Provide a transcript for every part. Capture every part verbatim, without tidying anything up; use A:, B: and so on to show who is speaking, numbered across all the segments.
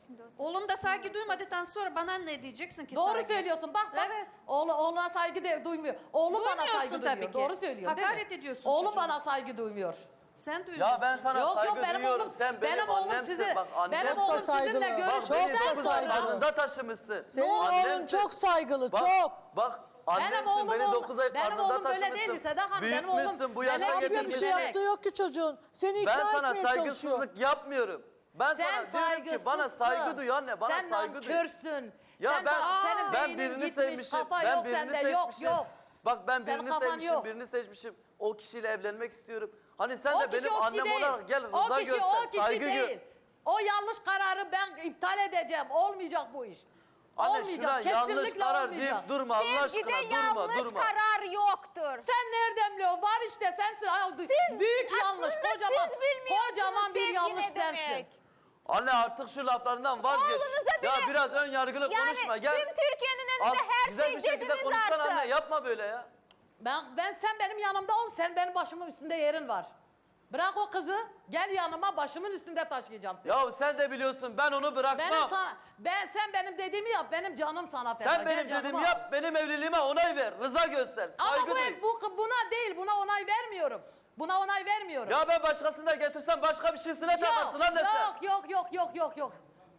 A: Şimdi otur.
B: Oğlum da saygı duymadıktan sonra bana ne diyeceksin ki?
C: Doğru
B: saygı?
C: söylüyorsun. Bak bak.
B: Evet.
C: Oğlu, oğluna saygı de, duymuyor. Oğlum bana
B: Duymuyorsun
C: saygı
B: tabii
C: duymuyor.
B: ki.
C: Doğru söylüyorsun değil mi?
B: Hakaret ediyorsun
C: Oğlum
B: çocuğuna.
C: bana saygı duymuyor.
B: Sen duyuyorsun.
D: Ya ben sana
C: Yok
D: saygı
C: yok benim
D: duyuyorum.
C: oğlum,
D: Sen benim,
C: benim oğlum
D: annemsin.
C: sizi,
D: Bak annem.
C: benim
E: Çok da
C: oğlum sizinle
E: saygılı.
D: Bak beni
C: görüştükten
D: dokuz
C: sonra.
D: ay karnında taşımışsın.
E: Senin oğlun
D: Annemsin.
E: çok saygılı,
D: Bak,
E: çok.
D: Bak
C: Benim
D: annemsin,
C: oğlum
D: beni
C: oğlum-
D: dokuz ay
C: benim
D: karnında
C: oğlum böyle
D: taşımışsın.
C: değildi Seda Hanım, benim oğlum
D: Büyütmüşsün, bu
C: böyle
D: yaşa
E: Ne yapıyor, bir
D: getirmişsin.
E: şey yaptığı yok ki çocuğun. Seni ikna
D: Ben sana
E: etmeye çalışıyor.
D: saygısızlık yapmıyorum. Ben
C: Sen
D: sana diyorum ki
C: saygısızsın.
D: bana saygı duy anne, bana
C: sen
D: saygı duy.
C: nankörsün.
D: Ya
C: sen
D: ben
C: bak, senin
D: ben
C: beynin
D: birini
C: gitmiş,
D: sevmişim.
C: kafa
D: Ben
C: yok
D: birini
C: sende,
D: seçmişim.
C: yok yok.
D: Bak ben
C: Senin
D: birini
C: kafan
D: sevmişim,
C: yok.
D: birini seçmişim. O kişiyle evlenmek istiyorum. Hani sen
C: O
D: de
C: kişi
D: benim
C: o kişi
D: annem
C: değil.
D: olarak gel
C: O
D: rıza
C: kişi
D: göster,
C: o kişi
D: saygı gör.
C: değil. O yanlış kararı ben iptal edeceğim. Olmayacak bu iş.
D: Anne
C: olmayacak.
D: şuna yanlış
C: Kesinlikle
D: karar
C: olmayacak.
D: deyip durma Allah
A: Sevgide
D: aşkına, durma
A: yanlış
D: durma.
A: karar yoktur.
C: Sen nereden biliyorsun? Var işte sensin. Aldı.
A: Siz-
C: Büyük
A: aslında
C: yanlış.
A: siz
C: Kocaman,
A: bilmiyorsunuz
C: kocaman bir
A: sevgi
C: yanlış
A: ne demek.
C: sensin.
D: Anne artık şu laflarından vazgeç.
A: Oğlunuza
D: Ya
A: bile-
D: biraz ön yargılı
A: Yani
D: konuşma. Gel.
A: tüm Türkiye'nin
D: Al,
A: önünde her
D: güzel
A: şey
D: bir şekilde
A: dediniz
D: konuşsana
A: artık.
D: anne, yapma böyle ya.
C: Ben, ben sen benim yanımda ol. Sen benim başımın üstünde yerin var. Bırak o kızı. Gel yanıma, başımın üstünde taşıyacağım seni.
D: Ya sen de biliyorsun ben onu bırakmam.
C: Benim sana, ben sen benim dediğimi yap. Benim canım sana feda.
D: Sen
C: Gel
D: benim
C: canıma
D: dediğimi
C: al.
D: yap, benim evliliğime onay ver, rıza göster,
C: Ama
D: saygı
C: bu,
D: duy.
C: ev- bu buna değil. Buna onay vermiyorum. Buna onay vermiyorum.
D: Ya ben başkasını da getirsem başka bir şeysine takarsın anne sen.
C: yok, yok, yok, yok, yok, yok.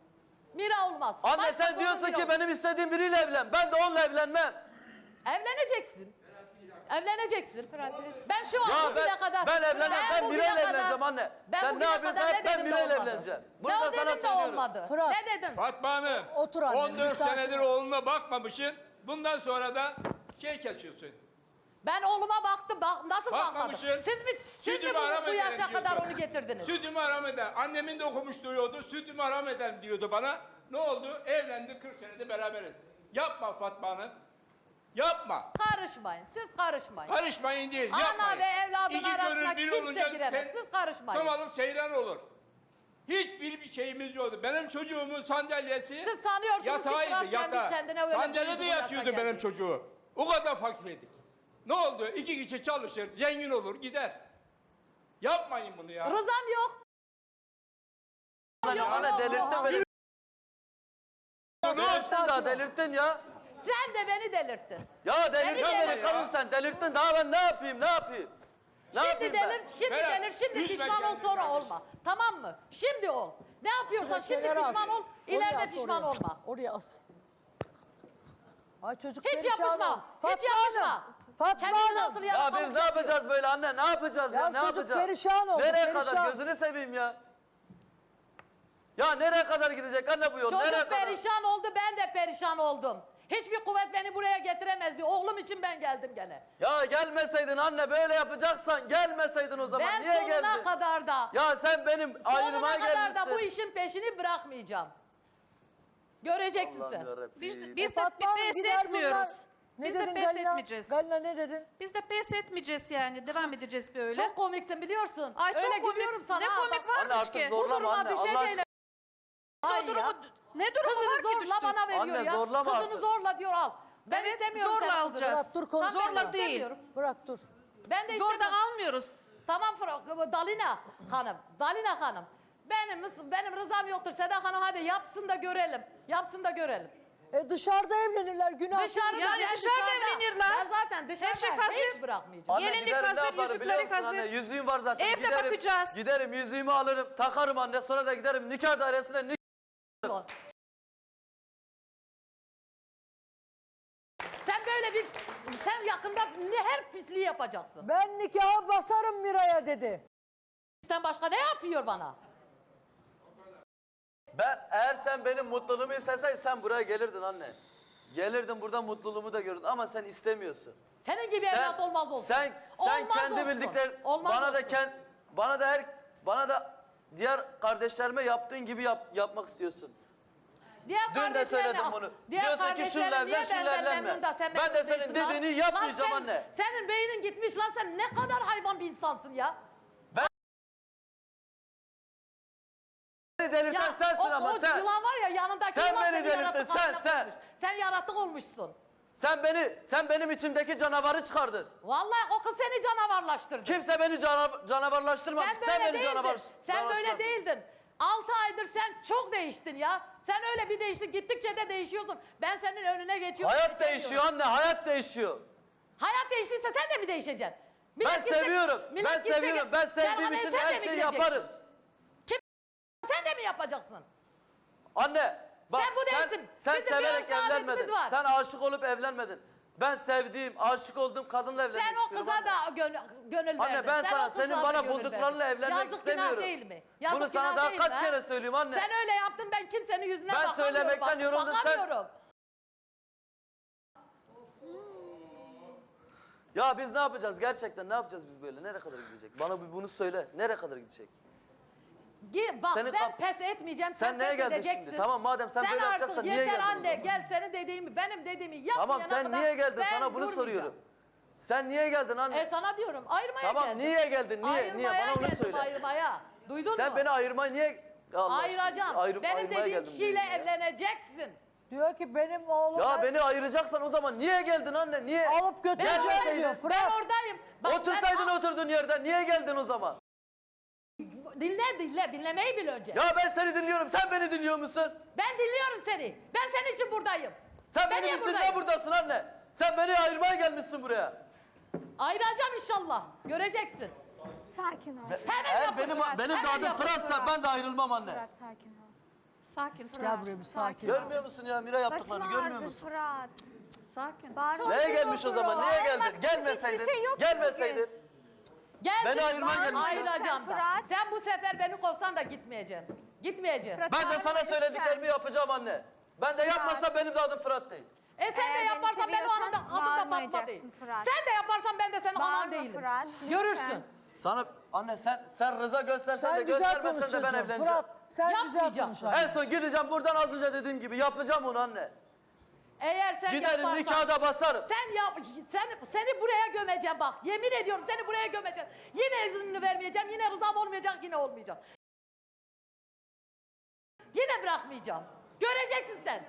C: Mira olmaz.
D: Anne
C: Başkası
D: sen
C: olur,
D: diyorsun
C: Mira
D: ki
C: olur.
D: benim istediğim biriyle evlen. Ben de onunla evlenmem.
C: Evleneceksin. Evleneceksin. Ben şu an
D: Ya
C: bugüne
D: ben,
C: kadar...
D: ben evlenmem. Ben
C: bugüne
D: Miray'la
C: kadar-
D: evleneceğim anne.
C: Ben
D: Sen ne
C: bugüne
D: yapıyorsan
C: kadar
D: hep
C: ne
D: ben
C: dedim de
D: Miray'la
C: olmadı.
D: evleneceğim. Bunu
C: Ne
D: da
C: dedim
D: sana
C: de
D: söylüyorum.
C: olmadı.
E: Fırat.
C: Ne dedim?
F: Fatma Hanım,
E: Otur anne,
F: on dört
E: müsaade
F: senedir
E: et.
F: oğluna bakmamışsın. Bundan sonra da şey kesiyorsun.
C: Ben oğluma baktım. Bak, nasıl bakmadım?
F: Bakmamışsın.
C: Siz mi, siz mi
F: Sütümü
C: bu,
F: haram
C: bu
F: ederim
C: yaşa
F: diyorsun.
C: kadar onu getirdiniz?
F: Sütümü haram eder. Annemin de okumuş diyordu. Sütümü haram ederim diyordu bana. Ne oldu? Evlendik, kırk senedir beraberiz. Yapma Fatma Hanım. Yapma.
C: Karışmayın. Siz karışmayın.
F: Karışmayın değil,
C: Ana
F: yapmayın.
C: ve evladın
F: İki
C: arasına
F: gönül bir
C: kimse
F: olunca
C: giremez.
F: sen-
C: Siz karışmayın.
F: Tam alıp seyran olur. Hiçbir bir şeyimiz yoktu. Benim çocuğumun sandalyesi
C: Siz sanıyorsunuz ki Fırat
F: yatağıydı,
C: kendi
F: yatağı.
C: kendine öyle
F: Sandalyede
C: büyüdü, bu yaşa
F: yatıyordu
C: geldi.
F: benim çocuğu. O kadar fakirdik. Ne oldu? İki kişi çalışır, zengin olur, gider. Yapmayın bunu ya.
C: Rızam yok. Yok,
D: Anne
C: yok,
D: delirttin
C: yok.
D: beni.
F: Ne
D: Delirttin
E: Sakin
D: daha
E: ol.
D: delirttin ya.
C: Sen de beni delirttin.
D: Ya delirttin
C: Beni
D: beni
C: delirttin.
D: kadın sen. Delirttin daha ben ne yapayım ne yapayım? Ne
C: Şimdi
D: yapayım
C: delir,
D: ben?
C: şimdi
F: Berat,
C: delir, şimdi
F: üzme
C: pişman ol
F: kendini
C: sonra
F: kardeşim.
C: olma. Tamam mı? Şimdi ol. Ne yapıyorsan
E: Şuraya
C: şimdi
E: kenara
C: pişman
E: as.
C: ol,
E: Oraya
C: ileride
E: as,
C: pişman
E: oraya.
C: olma.
E: Oraya as. Ay çocuk
C: Hiç
E: perişan
C: yapışma.
E: ol.
C: Hiç
E: Fatma
C: yapışma.
E: Hanım, Fatma
C: Kendini
E: Hanım.
C: nasıl
D: Ya
C: yalakalık
D: biz ne
C: yapıyor?
D: yapacağız böyle anne? Ne yapacağız ya?
E: Ya
D: Ne
E: çocuk
D: yapacağız?
E: perişan oldu,
D: Nereye
E: perişan.
D: kadar? Gözünü seveyim ya. Ya nereye kadar gidecek anne bu yol? Nereye
C: Çocuk
D: kadar?
C: perişan oldu, ben de perişan oldum. Hiçbir kuvvet beni buraya getiremezdi. Oğlum için ben geldim gene.
D: Ya gelmeseydin anne böyle yapacaksan gelmeseydin o zaman.
C: Ben
D: Niye
C: sonuna
D: geldin?
C: kadar da,
D: Ya sen benim ayrıma
C: sonuna kadar
D: gelmişsin.
C: da bu işin peşini bırakmayacağım. Göreceksin
D: Allah'ım
C: sen.
D: yarabbim.
B: Biz, biz
E: E,
B: de
E: Fatma Hanım,
B: pes
E: gider
B: etmiyoruz.
E: bunlar. Ne
B: Biz de
E: dedin
B: pes
E: Galina?
B: etmeyeceğiz.
E: Galina ne dedin?
B: Biz de pes etmeyeceğiz yani. Devam edeceğiz böyle.
C: Çok komiksin biliyorsun.
B: Ay çok
C: Öyle
B: komik.
C: gülüyorum sana.
B: Ne
C: ha,
B: komik
C: bak.
D: Anne
B: varmış
D: artık
B: ki.
D: zor-
C: Bu
D: Zorlama
C: duruma
D: anne, Allah
C: düşeceğine.
D: aşkına.
C: Ay
B: O durumu,
C: ya.
B: ne durumu
C: Kızını
B: var ki
C: zorla
B: düştün?
C: bana veriyor
D: Anne,
C: ya.
D: zorlama
C: Kızını
D: artık.
C: zorla diyor al. Ben
B: Evet,
C: istemiyorum
B: zorla
C: senin kızını.
B: alacağız.
E: Fırat dur
C: Tamam,
E: konuşma.
C: ben de
B: Zorla değil.
C: istemiyorum.
E: Bırak dur.
C: Ben de
B: Zorla
C: istemiyorum.
B: almıyoruz.
C: Tamam Fırat, Dalina Hanım. Dalina Hanım. Benim, benim rızam yoktur. Seda Hanım hadi yapsın da görelim. Yapsın da görelim.
E: E dışarıda evlenirler günah.
C: Dışarıda
B: Yani
C: ben
B: dışarıda evlenirler.
C: Ben zaten dışarıda
B: Eşek
C: hiç
B: hazır.
C: bırakmayacağım.
D: Anne
B: Gelinlik
D: giderim, ne
B: hazır,
D: yaparım biliyor
B: yüzükleri
D: musun
B: hazır.
D: anne? Yüzüğüm var zaten.
B: Evde
D: giderim,
B: bakacağız.
D: Giderim yüzüğümü alırım takarım anne. Sonra da giderim nikah dairesine nikah.
C: Sen böyle bir, sen yakında ne her pisliği yapacaksın.
E: Ben nikaha basarım Miray'a dedi.
C: Sen başka ne yapıyor bana?
D: Ben eğer sen benim mutluluğumu isteseydin sen buraya gelirdin anne. Gelirdin burada mutluluğumu da görürdün ama sen istemiyorsun.
C: Senin gibi
D: Sen,
C: evlat olmaz olsun.
D: Sen sen
C: Olmaz
D: kendi
C: olsun.
D: bildiklerin
C: Olmaz
D: bana da
C: olsun.
D: kend, bana da her bana da diğer kardeşlerime yaptığın gibi yap, yapmak istiyorsun.
C: Diğer
D: Dün de
C: kardeşlerine-
D: söyledim bunu.
C: Diğer
D: Diyorsun ki
C: kardeşlerin
D: şunla
C: niye
D: evlen, şunla
C: benden
D: evlenme.
C: memnun da sen
D: Ben
C: memnun
D: de senin
C: değilsin lan?
D: dediğini yapmayacağım
C: Lan sen-
D: anne.
C: Senin beynin gitmiş lan, sen ne kadar hayvan bir insansın ya.
D: Beni delirten
C: Ya
D: sensin
C: o,
D: ama
C: o
D: sen.
C: yılan var ya yanındaki
D: Sen
C: yılan
D: beni
C: seni
D: delirttin,
C: yaratık
D: sen,
C: haline
D: sen.
C: koymuş. Sen yaratık olmuşsun.
D: Sen beni sen benim içimdeki canavarı çıkardın.
C: Vallahi o kız seni canavarlaştırdı.
D: Kimse beni cana, canavarlaştırmadı.
C: Sen böyle
D: beni
C: değildin.
D: canavar,
C: Sen böyle
D: canavarlaştırdın.
C: değildin. Altı aydır sen çok değiştin ya. Sen öyle bir değiştin. Gittikçe de değişiyorsun. Ben senin önüne geçiyorum.
D: Hayat
C: geçemiyorum.
D: değişiyor anne, hayat değişiyor.
C: Hayat değiştiyse sen de mi değişeceksin?
D: Ben
C: Millet gitse-
D: seviyorum,
C: millet
D: ben
C: gitse-
D: seviyorum. Ben
C: Sen
D: sevdiğim
C: anne,
D: için
C: sen de
D: her
C: mi
D: şeyi
C: gideceksin?
D: yaparım.
C: Sen de mi yapacaksın?
D: Anne, bak
C: Sen bu değilsin.
D: sen
C: Bizim
D: severek
C: bir adetimiz
D: evlenmedin.
C: var.
D: Sen aşık olup evlenmedin. Ben sevdiğim, aşık olduğum kadınla evlenmek
C: Sen o
D: istiyorum
C: kıza
D: anne.
C: da gönül, gönül
D: Anne
C: verdin.
D: ben
C: Sen
D: sana
C: o kızla
D: senin
C: da
D: bana
C: gönül
D: bulduklarınla
C: verdin.
D: evlenmek
C: Yazık,
D: istemiyorum.
C: günah değil mi? Yazık,
D: Bunu sana
C: günah
D: daha
C: değil
D: kaç
C: mi,
D: kere
C: ha?
D: söyleyeyim anne.
C: Sen öyle yaptın, ben kimsenin yüzüne
D: Ben
C: bakamıyorum.
D: söylemekten
C: bak-
D: yoruldum, sen-
C: Bakamıyorum.
D: Ya biz ne yapacağız gerçekten, ne yapacağız biz böyle? Nereye kadar gidecek? Bana bir bunu söyle. Nereye kadar gidecek?
C: Gi- Bak
D: Senin
C: ben
D: kaf-
C: pes etmeyeceğim.
D: Sen neye
C: pes
D: geldin
C: edeceksin.
D: şimdi? Tamam, madem sen böyle
C: artık
D: yapacaksan niye
C: yeter
D: geldin o
C: anne,
D: zaman?
C: gel senin dediğimi, benim dediğimi yapmayana
D: Tamam sen
C: kadar
D: niye geldin?
C: ben
D: Sana bunu
C: durmayacağım.
D: soruyorum. Sen niye geldin anne?
C: E sana diyorum ayırmaya
D: Tamam,
C: geldim.
D: niye geldin? Niye?
C: Ayırmaya
D: Niye? Bana onu
C: geldim,
D: söyle.
C: ayırmaya. Duydun
D: Sen
C: mu?
D: beni ayırmaya niye... Allah aşkına,
C: Ayıracağım.
D: ayırıp
C: Benim
D: ayırmaya
C: dediğim
D: geldim
C: kişiyle
D: diyorsun ya.
C: evleneceksin.
E: Diyor ki benim oğlum
D: Ya beni ayıracaksan o zaman niye geldin anne? Niye?
E: alıp götüreceğim
D: Gelmeseydin.
E: diyor
C: Ben
E: Fırat.
C: oradayım. Bak,
D: Otursaydın
C: ben,
D: oturduğun yerden niye geldin o zaman?
C: Dinle dinle, dinlemeyi bil önce.
D: Ya ben seni dinliyorum, sen beni dinliyor musun?
C: Ben dinliyorum seni. Ben senin için buradayım.
D: Sen
C: Ben
D: benim
C: niye
D: için
C: buradayım?
D: ne buradasın anne? Sen beni ayırmaya gelmişsin buraya.
C: Ayıracağım inşallah. Göreceksin.
A: Sakin ol.
C: Hemen
D: Eğer
C: yapın
D: benim,
C: Fırat,
D: benim de
C: hemen
D: adım
C: yapın
D: Fırat'sa ben de ayrılmam anne.
A: Fırat sakin ol.
B: Sakin Fırat.
E: Gel buraya bir sakin.
D: Görmüyor musun ya Mira
A: Başım
D: yaptıklarını görmüyor
A: ağrıdı
D: musun?
A: Fırat.
B: Sakin.
A: Bağırma.
D: Neye gelmiş o zaman? Niye geldin?
A: Bağırmaktan
D: Gelmeseydin.
A: hiçbir şey yok ki
D: Gelmeseydin.
A: bugün.
C: Gel
D: Beni
C: seni
D: ayırmaya
C: bağır-
D: gelmişsin.
C: Ayıracağım da.
A: Fırat.
C: Sen bu sefer beni kovsan da gitmeyeceğim. Gitmeyeceğim.
A: Fırat,
D: Ben de
A: bağırma
D: sana
A: lütfen.
D: söylediklerimi yapacağım anne. Ben de yapmazsam benim de adım Fırat değil.
C: E sen
A: Eğer
C: de
A: beni
C: yaparsan ben o
A: seviyorsan
C: adım da, adım da Fatma
A: bağırmayacaksın
C: değil.
A: Fırat.
C: Sen de yaparsan ben de senin anan
A: Bağırma
C: değilim.
A: Fırat, lütfen.
C: Görürsün.
D: Sana anne sen sen rıza göstersen de
E: Sen güzel
D: göstermesen de ben
E: konuşacaksın
D: evleneceğim.
E: Fırat. Sen güzel
C: Yapmayacağım.
E: konuşacaksın.
D: En son gideceğim buradan az önce dediğim gibi yapacağım onu anne.
C: Eğer sen
D: Giderim
C: yaparsan.
D: nikahı da basarım.
C: Sen yap, sen, seni buraya gömeceğim bak. Yemin ediyorum seni buraya gömeceğim. Yine iznini vermeyeceğim, yine rızam olmayacak, yine olmayacak. Yine bırakmayacağım. Göreceksin sen.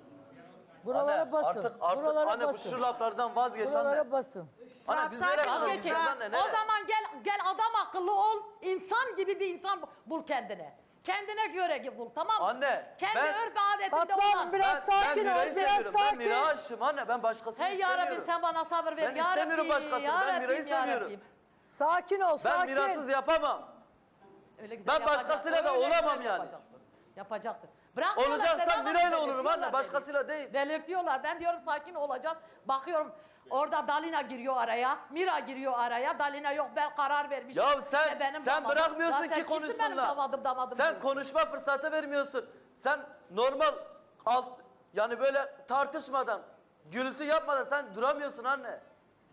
E: Buralara
D: Anne,
E: basın.
D: Artık artık
E: Buralara
D: anne bu
E: basın.
D: şu laflardan vazgeç anne.
E: Buralara basın.
D: Anne biz
A: Fırat,
D: nereye
A: sakin
D: kadar
A: ol.
D: gideceğiz
C: Vazgeçin.
D: anne?
C: O
D: Nereye?
C: zaman gel gel adam akıllı ol. İnsan gibi bir insan bul kendine. Kendine göre bul, tamam mı?
D: Anne,
C: Kendi
D: ben-
C: örf ve adetinde
E: Fatma
C: olan.
E: Hanım biraz
D: Ben, ben
E: sakin ol.
D: Mira'yı
E: Biraz
D: seviyorum. Ben
E: sakin.
D: Mira aşığım anne. Ben başkasını
C: Hey
D: istemiyorum.
C: yarabbim sen bana sabır ver.
D: Ben
C: ya
D: istemiyorum
C: Rabbim,
D: başkasını,
C: ya
D: ben Mira'yı
C: Rabbim, ya
D: seviyorum.
C: Rabbim.
E: Sakin ol,
D: Ben
E: sakin.
D: mirasız yapamam.
C: Öyle güzel
D: Ben
C: yapacaksın,
D: başkasıyla da
C: öyle
D: olamam
C: güzel
D: yani.
C: Yapacaksın. Yapacaksın. Bırakmıyorlar,
D: Olacaksam
C: Sedat Hanım,
D: Mira'yla olurum
C: delirtiyorlar
D: anne.
C: beni.
D: Başkasıyla değil.
C: Delirtiyorlar. Ben diyorum sakin olacağım. Bakıyorum orada Dalina giriyor araya. Mira giriyor araya. Dalina yok ben karar vermişim.
D: Ya sen
C: İşte benim
D: sen
C: damadım.
D: bırakmıyorsun
C: Ya sen
D: ki
C: kimsin benim
D: konuşsunlar.
C: damadım damadım
D: Sen
C: diyorsun?
D: konuşma fırsatı vermiyorsun. Sen normal alt yani böyle tartışmadan, gürültü yapmadan sen duramıyorsun anne. Ya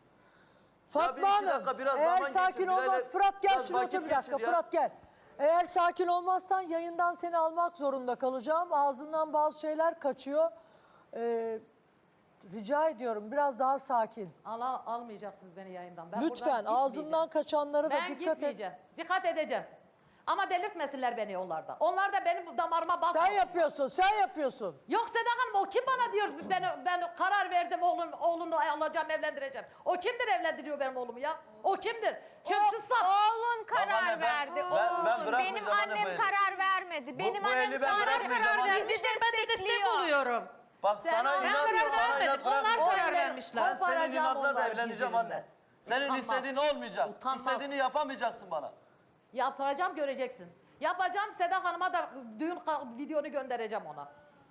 D: bir
E: Fatma
D: iki
E: Hanım,
D: dakika biraz
E: eğer
D: zaman
E: sakin
D: geçir,
E: olmaz
D: biraz-
E: Fırat gel
D: biraz
E: şuraya
D: vakit
E: otur bir dakika
D: geçir ya.
E: Fırat gel. Eğer sakin olmazsan yayından seni almak zorunda kalacağım. Ağzından bazı şeyler kaçıyor. Ee, rica ediyorum biraz daha sakin.
C: Al, almayacaksınız beni yayından. Ben
E: Lütfen
C: buradan
E: ağzından
C: gitmeyeceğim.
E: kaçanlara da
C: Ben
E: dikkat et.
C: gitmeyeceğim. Dikkat edeceğim. Ama delirtmesinler beni onlarda. Onlar da benim damarıma basmasın.
E: Sen yapıyorsun, sen yapıyorsun.
C: Yok Seda Hanım o kim bana diyor ben, ben karar verdim oğlum, oğlunu alacağım evlendireceğim. O kimdir evlendiriyor benim oğlumu ya? O kimdir? Çöpsüz
A: O-
C: sap.
A: Oğlun karar
D: anne, ben-
A: verdi.
D: ben- ben
A: Oğlun.
D: bırakmayacağım
A: Benim
D: anne bu
A: annem
D: eli.
A: karar vermedi. Benim
D: bu
A: annem
D: eli ben
A: sana
D: bırakmayacağım
A: karar
D: anne.
A: vermiştir.
B: Ben de destek
A: destekliyor.
B: oluyorum.
D: Bak
C: Sen
D: sana
C: al-
B: Ben
D: inat,
B: karar
D: sana
B: vermedim.
D: inat
B: Onlar
D: bırakmayacağım.
B: karar
C: Onları
B: vermişler.
D: Ben senin
C: koparacağım
D: inatla da
C: onları
D: evleneceğim
C: birbirinden.
D: anne. Senin
C: Utanmaz.
D: istediğin olmayacak.
C: Utanmaz.
D: İstediğini yapamayacaksın bana.
C: Yapacağım göreceksin. Yapacağım Seda Hanım'a da düğün ka- videonu göndereceğim ona.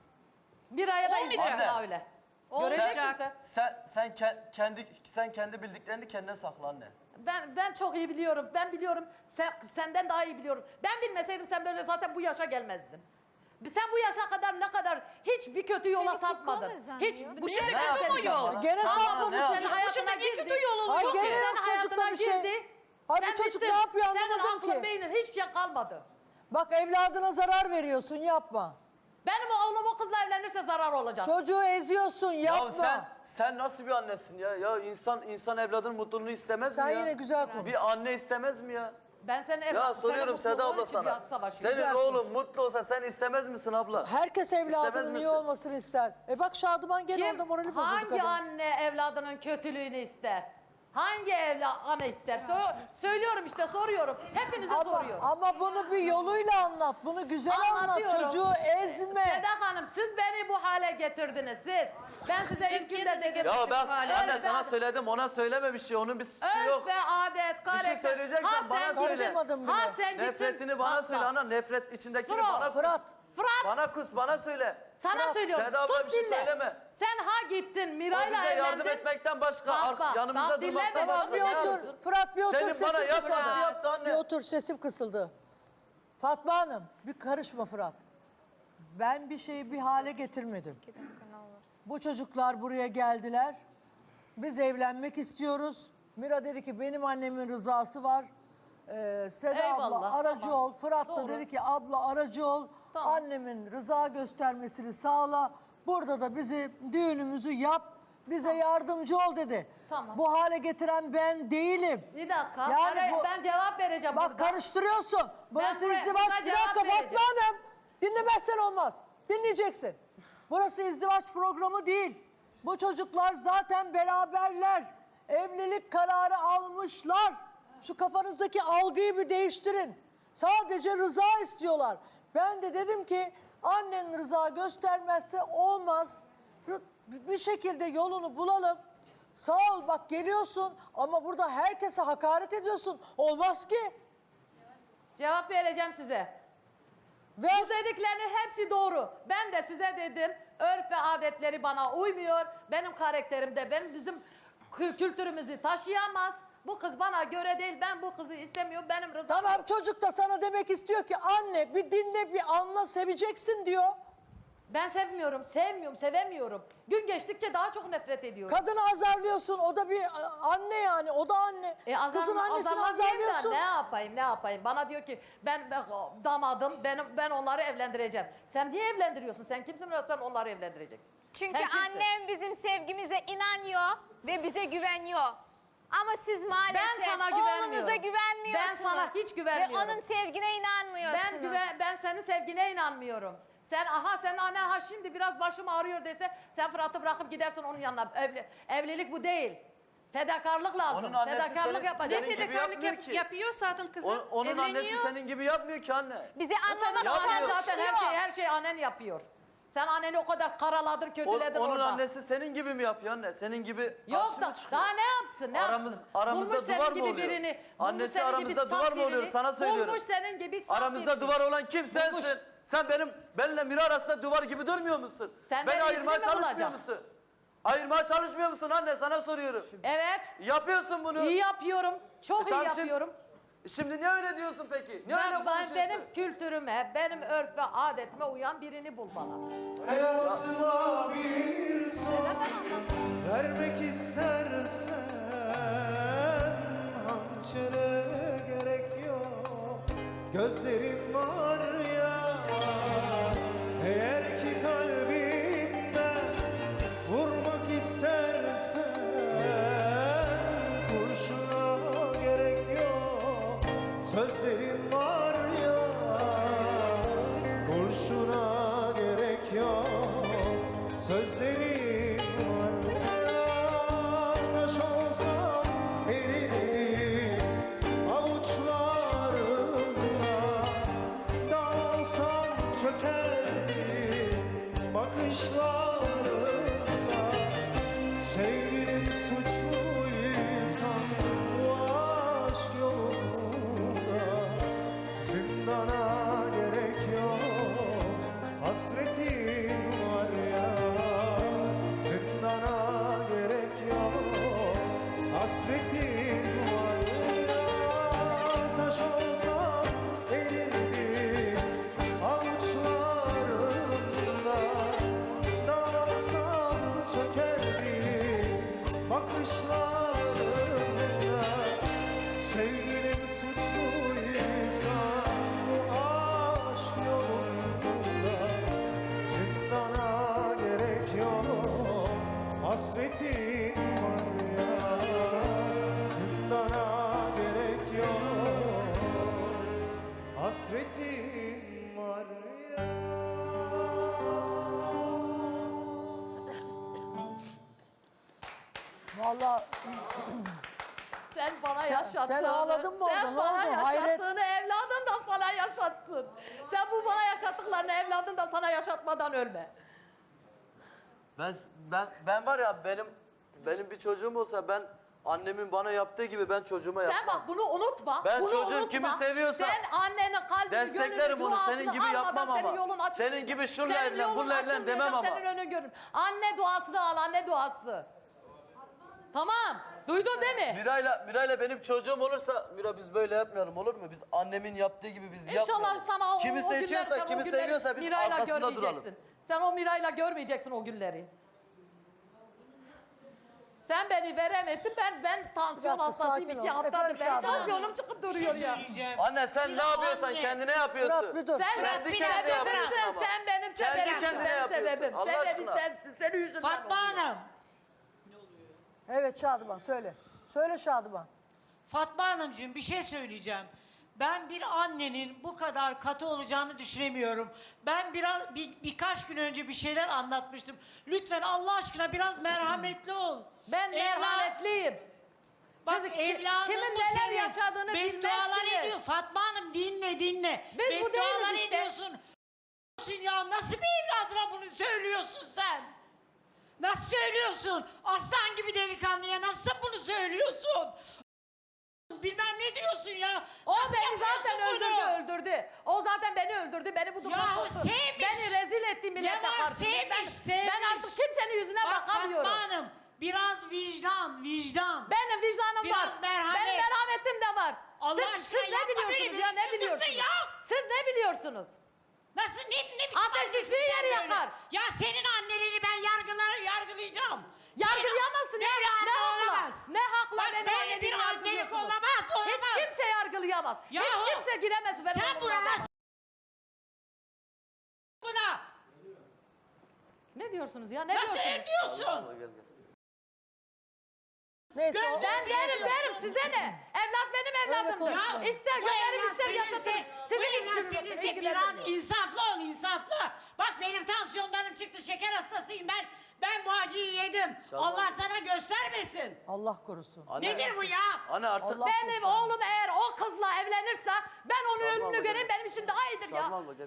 C: Bir aya da
B: Olmayacak.
C: izlesin
D: Anne.
C: öyle.
B: Olmayacak.
C: Göreceksin sen.
D: Sen sen ke- kendi sen kendi bildiklerini kendine sakla anne.
C: Ben ben çok iyi biliyorum. Ben biliyorum. Sen, senden daha iyi biliyorum. Ben bilmeseydim sen böyle zaten bu yaşa gelmezdin. Sen bu yaşa kadar ne kadar hiç bir kötü yola
A: Seni
C: sapmadın.
A: kukla mı zannediyor?
C: Hiç
A: Bu
C: bu
B: şimdi
C: şimdi
B: kötü mü yol?
E: Gene
D: Sana
E: sapmadı
D: ne
E: çocuk.
D: yapacak?
C: hayatına
B: şimdi niye
C: girdi.
B: kötü yol olacak?
E: Ay
C: Çok
E: gene
C: güzel
E: yok çocukta
C: hayatına
E: bir şey.
C: girdi.
E: Ay bu
C: Sen
E: çocuk
C: bittin.
E: ne yapıyor
C: Senin
E: anlamadım
C: aklın
E: ki.
C: beynin hiçbir şey kalmadı.
E: Bak evladına zarar veriyorsun yapma.
C: Benim oğlum o kızla evlenirse zarar olacak.
E: Çocuğu eziyorsun yapma.
D: Ya sen sen nasıl bir annesin ya? Ya insan insan evladının mutluluğunu istemez
E: Sen
D: mi ya?
E: yine güzel konuş.
D: Bir anne istemez mi ya?
C: Ben senin ev,
D: Ya
C: senin
D: soruyorum
C: mutluluğun
D: Seda abla
C: için
D: sana.
C: savaşıyorum.
D: Senin oğlun mutlu olsa sen istemez misin abla?
E: Herkes
D: İstemez
E: evladının iyi
D: misin?
E: olmasını ister. E bak Şadıman gene
C: Kim,
E: orada morali bozuldu
C: hangi
E: kadın.
C: anne evladının kötülüğünü ister? Hangi evli ana ister? Sö- söylüyorum işte, soruyorum. Hepinize
E: Ama,
C: soruyorum.
E: ama bunu bir yoluyla anlat. Bunu güzel anlat.
C: Anlatıyorum.
E: Çocuğu ezme.
C: Seda Hanım, siz beni bu hale getirdiniz, siz. Ben size ilk günde dedim.
D: Ya ben
C: Öyle
D: anne
C: bir
D: sana
C: adet-
D: söyledim, ona söyleme bir şey. Onun bir suçu
C: Örf
D: yok.
C: ve adet, karakter.
D: söyleyeceksen
C: Ha,
D: bana
C: sen
D: söyle.
C: gittin-
E: Karışmadım
C: Ha
E: bile.
C: sen gittin.
D: Nefretini bana
C: Bak,
D: söyle
C: bak.
D: ana. Nefret içindekini
C: Fırat,
D: bana kus.
E: Fırat.
C: Fırat,
D: Bana kus, bana söyle.
C: sana
E: Fırat,
C: söylüyorum.
D: Seda abla
C: Sus
D: bir şey
C: dinle.
D: söyleme.
C: Sen ha gittin
D: O
C: Miray'la
D: bize
C: evlendin.
D: yardım etmekten başka,
C: Bak,
D: ar-
C: bak,
D: yanımızda
C: bak,
D: durmaktan
C: dinle beni.
D: başka
E: Tamam bir
D: ne
E: otur.
D: yapıyorsun?
E: Fırat bir otur,
D: Senin
E: sesim
D: bana
E: kısıldı.
D: yapmadığını yaptı anne.
E: Bir otur, sesim kısıldı. Fatma Hanım, bir karışma Fırat. Ben bir şeyi bir hale getirmedim. Bu çocuklar buraya geldiler. Biz evlenmek istiyoruz. Mira dedi ki benim annemin rızası var. Ee, Seda
C: Eyvallah,
E: abla aracı
C: tamam.
E: ol. Fırat da
C: Doğru.
E: dedi ki abla aracı ol.
C: Tamam.
E: Annemin rıza göstermesini sağla. Burada da bizi düğünümüzü yap. Bize yardımcı ol dedi.
C: Tamam.
E: Bu hale getiren ben değilim.
C: Bir dakika.
E: Yani
C: Ara-
E: bu-
C: ben cevap vereceğim
E: Bak
C: burada.
E: karıştırıyorsun. Burası
C: buraya-
E: izdivaç.
C: buna
E: Bir
C: cevap
E: dakika Fatma
C: vereceğim.
E: Hanım. Dinlemezsen olmaz. Dinleyeceksin. Burası izdivaç programı değil. Bu çocuklar zaten beraberler. Evlilik kararı almışlar. Şu kafanızdaki algıyı bir değiştirin. Sadece rıza istiyorlar. Ben de dedim ki annen rıza göstermezse olmaz. Rı- Bir şekilde yolunu bulalım. Sağ ol bak geliyorsun ama burada herkese hakaret ediyorsun. Olmaz ki.
C: Cevap vereceğim size.
E: Ve
C: Bu dediklerinin hepsi doğru. Ben de size dedim, örf ve adetleri bana uymuyor. Benim karakterim de benim bizim kü- kültürümüzü taşıyamaz. Bu kız bana göre değil, ben bu kızı istemiyorum, benim rızam
E: tamam
C: yok.
E: çocuk da sana demek istiyor ki anne bir dinle bir anla seveceksin diyor.
C: Ben sevmiyorum, sevmiyorum, sevemiyorum. Gün geçtikçe daha çok nefret ediyorum.
E: Kadını azarlıyorsun o da bir anne yani o da anne.
C: E azar,
E: Kızın annesini
C: azarlamayayım da
E: azarlıyorsun.
C: ne yapayım, ne yapayım? Bana diyor ki ben ben damadım, benim ben onları evlendireceğim. Sen niye evlendiriyorsun? Sen kimsin? Sen onları evlendireceksin.
A: Çünkü
C: Sen kimsin?
A: annem bizim sevgimize inanıyor ve bize güveniyor. Ama siz maalesef
C: Ben sana güvenmiyorum.
A: oğlunuza güvenmiyorsunuz.
C: Ben sana hiç güvenmiyorum.
A: Ve onun sevgine inanmıyorsunuz.
C: Ben güven, ben senin sevgine inanmıyorum. Sen aha senin annen ha şimdi biraz başım ağrıyor dese sen Fırat'ı bırakıp gidersin onun yanına. Evli, evlilik bu değil. Fedakarlık lazım.
D: Onun annesi
C: Fedakarlık
D: senin-
C: yapacak.
D: senin gibi
B: Fedakarlık
D: yapmıyor
B: yap-
D: ki.
B: yapıyor zaten kızım.
D: O- onun annesi
B: Evleniyor.
D: senin gibi yapmıyor ki anne.
A: Bizi
C: Senin
A: anlamak
C: annen
D: yapmıyor.
C: zaten her şey her şey annen yapıyor. Sen anneni o kadar karaladın,
D: O-
C: kötüledin
D: onun
C: orada.
D: annesi senin gibi mi yapıyor anne? Senin gibi
C: Yok
D: karşı
C: da
D: mı çıkıyor?
C: daha ne yapsın, ne
D: Aramız-
C: yapsın?
D: aramızda
C: Bulmuş
D: duvar
C: senin
D: mı
C: gibi
D: oluyor?
C: birini. bulmuş
D: Annesi
C: senin
D: aramızda
C: gibi
D: duvar
C: saf
D: mı oluyor?
C: birini,
D: Sana söylüyorum.
C: Bulmuş senin gibi saf
D: Aramızda
C: birini.
D: duvar olan kim sensin?
C: Bulmuş.
D: Sen benim benimle Mira arasında duvar gibi durmuyor musun?
C: Sen
D: Beni
C: benim
D: ayırmaya
C: iznim mi
D: çalışmıyor
C: olacak?
D: musun? Ayırmaya çalışmıyor musun anne? Sana soruyorum.
C: Evet.
D: Yapıyorsun bunu.
C: İyi yapıyorum. Çok
D: E
C: iyi
D: tamam, şimdi-
C: yapıyorum.
D: Şimdi niye öyle diyorsun peki? Niye öyle
C: Ben, ben
D: konuşuyorsun?
C: benim kültürüme, benim örf ve adetime uyan birini bul bana.
G: Hayatıma bir son
C: Neden ben anlatayım?
G: vermek istersen hançere gerek yok. Gözlerin var ya, eğer ki kalbimden vurmak istersen kurşuna gerek yok. Sözlerin var ya, kurşuna gerek yok. Sözlerin var ya, taş olsam eririm avuçlarımda. Dağılsam çökerdim bakışlarımda. Sevgilim suçluysa bu aşk yolunda zindana gerek yok. Hasretin var ya, zindana gerek yok. Hasretin var ya, taş olsam erirdim avuçlarımda. Dağılsam çökerdim bakışlarımda. Sevgilim suçluysa bu aşk yolunda zindana gerek yok. Hasretin var ya, zindana gerek yok. Hasretin var ya.
E: Vallahi
C: Sen bana
E: Sen-
C: yaşattığını,
E: sen ağladın mı orada?
C: Sen
E: Ne
C: bana
E: oldu? Hayret.
C: yaşattığını evladın da sana yaşatsın. Sen bu bana yaşattıklarını evladın da sana yaşatmadan ölme.
D: Ben ben ben var ya benim benim bir çocuğum olsa ben annemin bana yaptığı gibi ben çocuğuma yapmam.
C: Sen bak bunu unutma.
D: Ben
C: bunu
D: çocuğum
C: unutma.
D: kimi seviyorsa
C: sen annenin kalbini,
D: desteklerim
C: gönlünü,
D: onu. Senin
C: duasını
D: gibi
C: almadan
D: yapmam
C: senin
D: ama.
C: yolun açılmayacak.
D: Senin gibi şunla
C: Senin
D: evlen,
C: yolun
D: bununla evlen
C: açılmayacak,
D: demem ama.
C: Senin önün görün. Anne duasını al, anne duası. Tamam. Duydun değil mi?
D: Miray'la Miray'la benim çocuğum olursa Mira biz böyle yapmayalım olur mu? Biz annemin yaptığı gibi biz
C: İnşallah
D: yapmayalım.
C: sana o,
D: kimi
C: o günler,
D: seçiyorsa,
C: sen o
D: kimi
C: günleri
D: seviyorsa biz
C: Miray'la
D: arkasında
C: görmeyeceksin.
D: duralım.
C: Sen o Miray'la görmeyeceksin o günleri. Sen beni veremedin, ben ben tansiyon
E: Bir dakika,
C: hastasıyım
E: sakin
C: iki
E: ol.
C: haftadır.
E: Efendim
C: Benim
E: Şadan Hanım.
C: tansiyonum çıkıp duruyor ya.
H: Söyleyeceğim.
D: Anne sen
H: Bir
D: ne yapıyorsan
H: anne.
D: kendine yapıyorsun.
E: Fırat bir dur.
C: Sen
D: Kendi
C: bir
D: kendine
C: sebebimsin,
D: yapıyorsun ama.
C: sen benim
D: Kendi
C: sebebimsin,
D: kendine
C: benim
D: yapıyorsun.
C: sebebim.
D: Allah
C: Sebebi
D: aşkına.
C: sensin, senin yüzünden
H: Fatma
C: oluyor.
H: Hanım.
E: Evet Şadıman söyle. Söyle Şadıman.
H: Fatma Hanımcığım bir şey söyleyeceğim. Ben bir annenin bu kadar katı olacağını düşünemiyorum. Ben biraz bir, birkaç gün önce bir şeyler anlatmıştım. Lütfen Allah aşkına biraz merhametli ol.
C: Ben
H: Evlat-
C: merhametliyim.
H: Bak
C: Siz ki-
H: evladın
C: kimin
H: bu
C: neler
H: senin.
C: yaşadığını
H: Beddualar
C: bilmezsiniz.
H: ediyor. Fatma Hanım dinle dinle.
C: Biz bu
H: Beddualar
C: değiliz işte.
H: ediyorsun. Ya nasıl bir evladına bunu söylüyorsun sen? Nasıl söylüyorsun? Aslan gibi delikanlıya nasıl bunu söylüyorsun? Bilmem ne diyorsun ya.
C: O
H: Nasıl
C: beni
H: yapıyorsun
C: zaten
H: bunu?
C: öldürdü, öldürdü. O zaten beni öldürdü, beni bu duruma
H: Yahu
C: soktu.
H: sevmiş.
C: Beni rezil etti milletle
H: var,
C: karşısında.
H: sevmiş,
C: ben,
H: sevmiş.
C: ben artık kimsenin yüzüne
H: Bak
C: bakamıyorum.
H: Fatma Hanım biraz vicdan vicdan.
C: Benim vicdanım
H: Biraz
C: var.
H: merhamet.
C: Benim merhametim de var.
H: Allah
C: siz,
H: aşkına
C: siz ne
H: yapma beni,
C: biliyorsunuz
H: beni
C: ya, ne
H: çıldırttın
C: biliyorsunuz?
H: ya.
C: Siz ne biliyorsunuz?
H: Nasıl ne, ne biçim
C: Ateş
H: annesin
C: düştüğü
H: sen
C: yeri
H: böyle?
C: yakar.
H: Ya senin annelerini ben yargılar yargılayacağım.
C: Yargılayamazsın. Ne,
H: Böyle
C: ne
H: anne
C: hakla?
H: olamaz.
C: Ne hakla
H: Bak
C: benim
H: böyle
C: annemi
H: bir annelik
C: yargılıyorsunuz?
H: olamaz olamaz.
C: Hiç kimse yargılayamaz.
H: Yahu,
C: Hiç kimse giremez benim
H: Sen buna
C: odama.
H: nasıl buna
C: Ne diyorsunuz ya? Ne
H: nasıl
C: diyorsunuz?
H: el diyorsun?
D: Gel, gel.
E: Neyse
H: Gönlüm
E: o-
C: Ben
H: Senin
C: derim derim size ne? Evlat benim evladımdır.
E: konuşma.
C: İster
H: Bu
C: gömerim
H: evlat
C: ister
H: seninse-
C: yaşatırım.
H: Bu
C: Sizin hiç
H: evlat
C: gününüzle
H: seninse
C: ilgilenmiyor.
H: biraz insaflı ol insaflı. Bak benim tansiyonlarım çıktı şeker hastasıyım ben. Ben bu acıyı yedim.
D: Şaban.
H: Allah sana göstermesin.
E: Allah korusun.
D: Anne,
H: Nedir bu ya?
D: Anne artık
E: Allah-
C: Benim oğlum eğer o kızla evlenirse ben onun
D: Sarmal
C: ölümünü
D: bakalım.
C: göreyim benim için daha iyidir ya.
D: Sarmal bak, gel.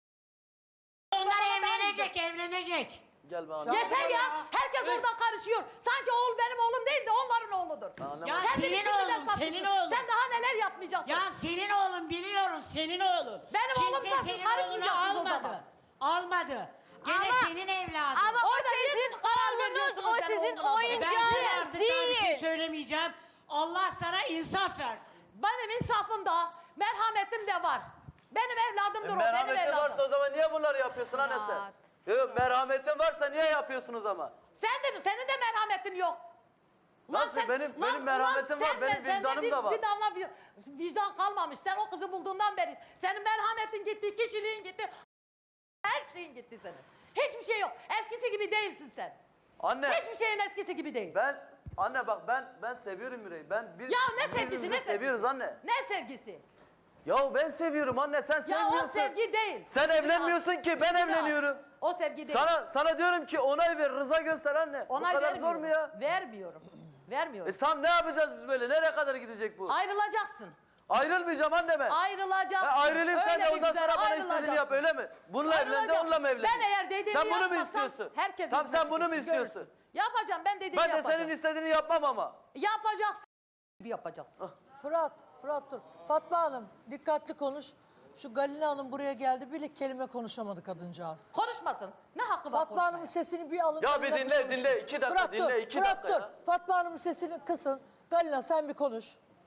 H: Onlar evlenecek evlenecek.
D: Gel be anne.
C: Yeter ya. Herkes
H: Öf.
C: orada karışıyor. Sanki oğul benim oğlum değil de onların oğludur.
D: Anne,
H: Ya
D: bak.
C: Kendini
H: senin
C: şimdiden
H: oğlun,
C: satmışsın.
H: senin oğlun.
C: Sen daha neler yapmayacaksın?
H: Ya senin oğlun biliyoruz senin oğlun.
C: Benim
H: Kimse
C: oğlumsa siz
H: senin
C: karışmayacaksınız
H: oğlunu
C: o
H: almadı.
C: zaman.
H: Almadı. Gene
A: Ama-
H: senin evladın.
A: Ama o
C: Orada niye
A: sizin
C: siz karar
A: oğlunuz,
C: veriyorsunuz
A: o
C: benim
A: sizin
C: oğlumun adına?
H: Ben
A: oyuncağınız
H: sana artık daha bir şey
A: değil.
H: söylemeyeceğim. Allah sana insaf versin.
C: Benim insafım da, merhametim de var. Benim evladımdır
D: E,
C: o, benim
D: merhametin
C: evladım.
D: varsa o zaman niye bunları yapıyorsun anne sen?
A: Rahat.
D: Yok merhametin varsa niye yapıyorsunuz ama?
C: Sen de, senin de merhametin yok.
D: Nasıl? Benim- benim merhametim var,
C: sen
D: benim
C: de- sende
D: vicdanım
C: bir,
D: da var.
C: Bir damla vi- vicdan kalmamış. Sen o kızı bulduğundan beri. Senin merhametin gitti, kişiliğin gitti. Her şeyin gitti senin. Hiçbir şey yok. Eskisi gibi değilsin sen.
D: Anne
C: Hiçbir şeyin eskisi gibi değil.
D: ben anne bak ben ben seviyorum Miray'ı. Ben bir
C: Ya ne sevgisi,
D: birbirimizi
C: ne sevgisi?
D: seviyoruz anne.
C: Ne sevgisi?
D: Ya ben seviyorum anne sen
C: Ya
D: sevmiyorsun.
C: o sevgi değil.
D: Sen
C: Yüzünü
D: evlenmiyorsun
C: aç.
D: ki ben
C: Yüzünü aç.
D: evleniyorum.
C: O sevgi değil.
D: Sana sana diyorum ki onay ver, rıza göster anne.
C: Onay
D: Bu kadar
C: vermiyorum.
D: zor mu ya?
C: Vermiyorum. Vermiyorum.
D: E Sam ne yapacağız biz böyle? Nereye kadar gidecek bu?
C: Ayrılacaksın.
D: Ayrılmayacağım anne ben.
C: Ayrılacaksın.
D: Ha, ayrılayım sen
C: Öyle
D: de
C: bir
D: ondan
C: güzel
D: sonra bana istediğini yap
C: ayrılacaksın.
D: öyle mi? Bununla evlen de
C: Ayrılacaksın.
D: onunla mı evlen?
C: Ben eğer dediğimi
D: Sen bunu mu
C: yapmazsam
D: istiyorsun?
C: herkes
D: Tamam
C: yüzüme
D: sen bunu mu
C: çıkıyorsun,
D: istiyorsun?
C: görürsün. Yapacağım ben dediğimi
D: Ben de
C: yapacağım.
D: senin istediğini yapmam ama.
C: Yapacaksın gibi yapacaksın.
E: Fırat, Fırat dur. Fatma Hanım dikkatli konuş. Şu Galina Hanım buraya geldi. Bir kelime konuşamadı kadıncağız.
C: Konuşmasın. Ne hakkı var
E: Fatma Hanım'ın
C: konuşmaya?
E: sesini bir alın.
D: Ya
E: Galina
D: bir dinle,
E: konuşsun.
D: dinle. İki dakika,
E: Fırat,
D: dinle,
E: dur,
D: iki
E: Fırat,
D: dakika
E: dur.
D: ya.
E: Fatma Hanım'ın sesini kısın. Galina sen bir konuş.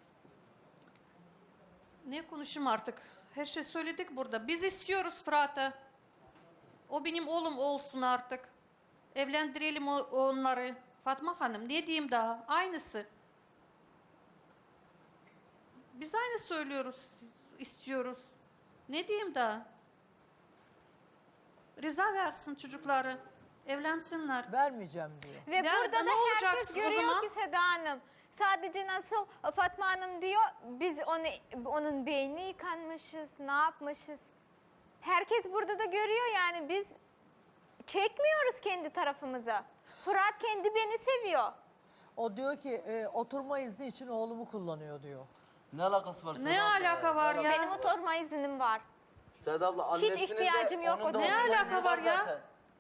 B: Ne konuşayım artık? Her şey söyledik burada. Biz istiyoruz Fırat'ı. O benim oğlum olsun artık. Evlendirelim o- onları. Fatma Hanım ne diyeyim daha? Aynısı. Biz aynı söylüyoruz, istiyoruz. Ne diyeyim daha? Rıza versin çocukları. Evlensinler.
E: Vermeyeceğim diyor.
A: Ve
B: Nerede,
A: burada
B: ne
A: da herkes
B: olacaksın o
A: görüyor
B: zaman?
A: ki Seda Hanım. Sadece nasıl Fatma Hanım diyor, biz onu onun beynini yıkanmışız, ne yapmışız. Herkes burada da görüyor yani biz çekmiyoruz kendi tarafımıza. Fırat kendi beni seviyor.
E: O diyor ki e, oturma izni için oğlumu kullanıyor diyor.
D: Ne alakası var Seda
B: Ne
D: abla
B: alaka var ya?
A: Benim oturma iznim var.
D: Seda abla annesinin
A: ihtiyacım
D: de,
A: yok
D: onun da
A: o
B: Ne
D: oturma
B: alaka
D: izni
B: var ya?
D: zaten.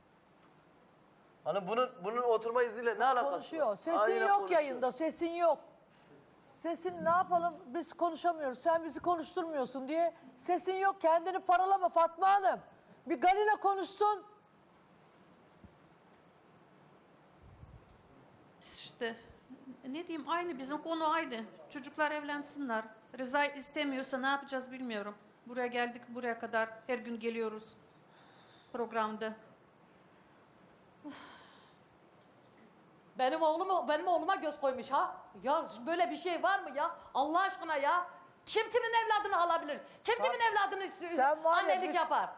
D: Hani bunun bunun oturma izniyle ne alakası
E: Konuşuyor.
D: var?
E: Sesin
D: Aynen
E: yok
D: konuşuyor.
E: yayında, sesin yok. Sesin ne yapalım biz konuşamıyoruz, sen bizi konuşturmuyorsun diye. Sesin yok, kendini paralama Fatma Hanım. Bir Galina konuşsun.
B: İşte ne diyeyim, aynı bizim konu aynı. Çocuklar evlensinler. Rıza istemiyorsa ne yapacağız bilmiyorum. Buraya geldik, buraya kadar her gün geliyoruz programda.
C: Benim oğlum benim oğluma göz koymuş ha. Ya böyle bir şey var mı ya? Allah aşkına ya. Kim kimin evladını alabilir? Kim kimin evladını
E: Sen var ya
C: annelik
E: bir-
C: yapar?